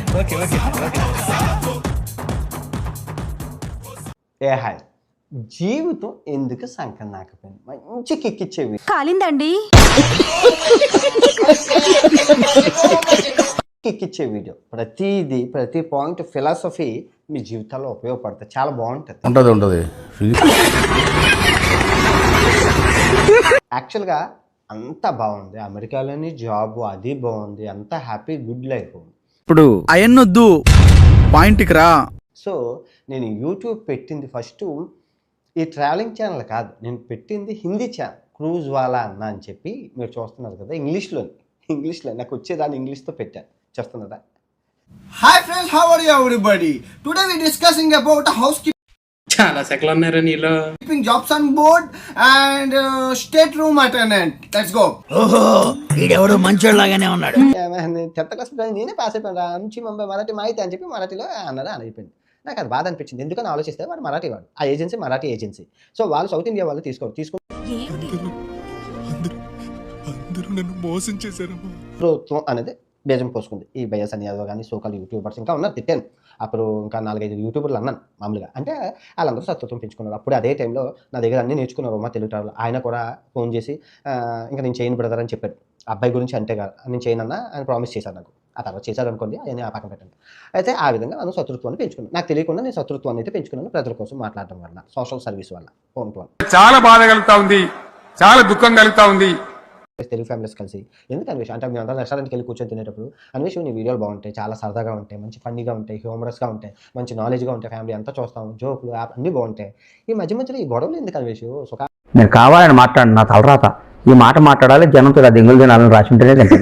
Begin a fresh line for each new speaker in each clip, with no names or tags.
ఏ hi, జీవితం ఎందుకు సంకం నాకపోయింది మంచి కిక్కిచ్చేవి
కాలిందండి
కిక్కిచ్చే వీడియో ప్రతి పాయింట్ ఫిలాసఫీ మీ జీవితాల్లో ఉపయోగపడుతుంది, చాలా బాగుంటుంది
ఉంటుంది.
యాక్చువల్గా అంతా బాగుంది, అమెరికాలోని జాబ్ అది బాగుంది, అంతా హ్యాపీ గుడ్ లైఫ్.
ఇప్పుడు అయన్నొద్దు పాయింట్కి రా.
సో నేను యూట్యూబ్ పెట్టింది ఫస్ట్ ఈ ట్రావెలింగ్ ఛానల్ కాదు, నేను పెట్టింది హిందీ ఛానల్ క్రూజ్ వాలా అన్న అని చెప్పి మీరు చూస్తున్నారు కదా, ఇంగ్లీష్లో నాకు వచ్చేదాన్ని ఇంగ్లీష్తో పెట్టాను, చూస్తున్నారా?
Hi friends, how are you everybody? Today we discussing about housekeeping
చాలా సెకలు ఉన్నారా నీలో
jobs on board and state room attendant. Let's go.
ఈడెవడు మంచోళ్ళలాగానే ఉన్నాడు.
10th క్లాస్ నేనే పాస్ అయిపోయాను, నుంచి ముంబై మరాఠీ మాహితి అని చెప్పి మరాఠీలో అన్నదా అని అయిపోయింది. నాకు అది బాధ అనిపించింది, ఎందుకని ఆలోచిస్తే వాడు మరాఠీ వాడు, ఆ ఏజెన్సీ మరాఠీ ఏజెన్సీ. సో వాళ్ళు సౌత్ ఇండియా వాళ్ళు తీసుకుని ప్రభుత్వం అనేది బేజం పోసుకుంది. ఈ బయస్ అని యాదవ్ కానీ సోకాల్ యూట్యూబర్స్ ఇంకా ఉన్నారు, తిట్టాను అప్పుడు, ఇంకా 4-5 యూట్యూబర్లు అన్నాను మామూలుగా. అంటే వాళ్ళందరూ సత్వత్వం పెంచుకున్నారు. అప్పుడు అదే టైంలో నా దగ్గర అన్నీ నేర్చుకున్నారు మా తెలుగు ట్రావెల్. ఆయన కూడా ఫోన్ చేసి ఇంకా నేను చేయను బ్రదర్ అని చెప్పాడు. అబ్బాయి గురించి అంటే కాదు, నేను చేయనన్నా ఆయన ప్రామిస్ చేశాను నాకు. ఆ తర్వాత చేశాడు అనుకోండి, ఆయన ఆ పక్కన పెట్టండి. అయితే ఆ విధంగా నేను శత్రుత్వాన్ని పెంచుకున్నాను. నాకు తెలియకుండా నేను శత్రుత్వాన్ని అయితే పెంచుకున్నాను, ప్రజల కోసం మాట్లాడడం వల్ల, సోషల్ సర్వీస్ వల్ల. ఫోన్ టు
చాలా బాధ కలుగుతా ఉంది, చాలా దుఃఖం కలుగుతా ఉంది.
తెలుగు ఫ్యామిలీస్ కలిసి ఎందుకు అన్వేష్ అంటే మేము అందరం రెస్టారెంట్కి వెళ్ళి కూర్చొని తినేటప్పుడు అన్వేష్ నీ వీడియోలు బాగుంటాయి, చాలా సరదాగా ఉంటాయి, మంచి ఫన్నీగా ఉంటాయి, హ్యూమరస్గా ఉంటాయి, మంచి నాలెడ్జ్గా ఉంటాయి, ఫ్యామిలీ అంతా చూస్తాం, జోకులు అన్నీ బాగుంటాయి. ఈ మధ్యలో ఈ గొడవలు ఎందుకు అన్వేష్?
నేను కావాలని మాట్లాడు, నా తలరాత ఈ మాట మాట్లాడాలి, జనంతో అది ఎంగులు తినాలని రాసి ఉంటేనే తింటాను.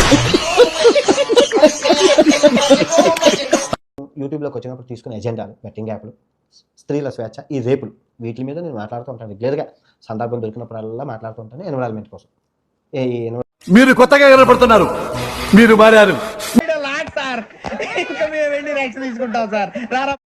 యూట్యూబ్లోకి వచ్చినప్పుడు తీసుకునే ఎజెండాలు, బెట్టింగ్ యాప్లు, స్త్రీల స్వేచ్ఛ, ఈ రేపులు, వీటి మీద నేను మాట్లాడుతూ ఉంటాను రెగ్యులర్గా. సందర్భం దొరికినప్పుడల్లా మాట్లాడుతూ ఉంటాను ఎన్విరాన్మెంట్ కోసం.
మీరు కొత్తగా కనపడుతున్నారు, మీరు మారారు.